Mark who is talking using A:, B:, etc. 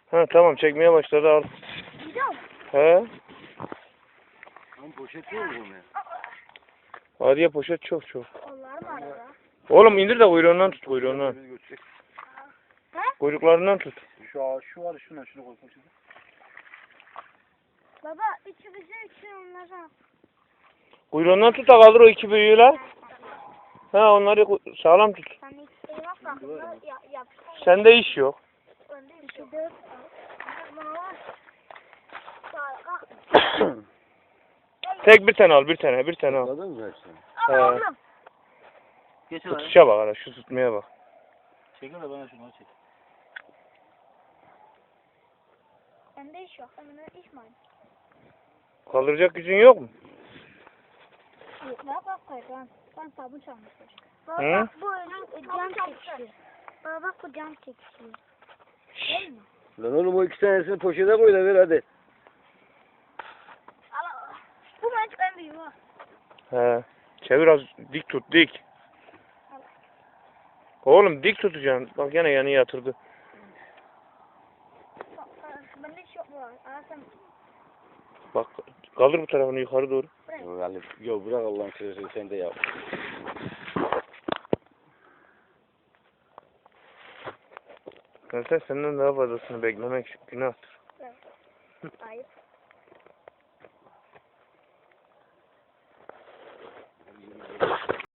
A: Ha tamam, çekmeye başladı, al.
B: Gidiyor mu?
A: He.
C: Lan poşet yok mu bunun?
A: Arıya poşet çok.
B: Onlar mı arada?
A: Oğlum indir de kuyruğundan tut, kuyruğundan.
C: Biz götürecek.
A: Kuyruklarından tut.
C: Şu var şuna koy poşeti.
B: Baba üçü bize üçü onlara.
A: Kuyruğundan tut da kaldır o iki büyüğü la. Ha, onları sağlam tut.
B: Sen ikisini bak bakımda yapıştır.
A: Sende iş yok.
B: Önde üçü dört. Bana var.
A: Tek bir tane al, bir tane al.
C: Anladın mı hepsini?
B: Al oğlum.
C: Geç lan.
A: Tutuşa bak hala, şu tutmaya bak.
C: Çekil de bana şunu çek.
B: Bende iş yok. Bende iş mi?
A: Kaldıracak gücün yok mu?
B: Yok. Bak koydan. Ben sabun çalmışım.
A: Hı?
B: Bak bu önüm cam çekişiyor. Bak bu cam çekişiyor. Değil mi?
C: Lan oğlum o iki tanesini poşete koy da ver hadi.
B: Al. Bu maç en büyüğü var.
A: He. Çevir az, dik tut, dik. Oğlum dik tutacaksın. Bak yine yanı yatırdı.
B: Bende iş yok bu. Sen
A: Bak kaldır bu tarafını yukarı doğru.
C: Yok Ali, yok bırak Allah'ın sözünü sen de yap.
A: Zaten senden daha fazlasını beklemek günahtır.
B: ayıp.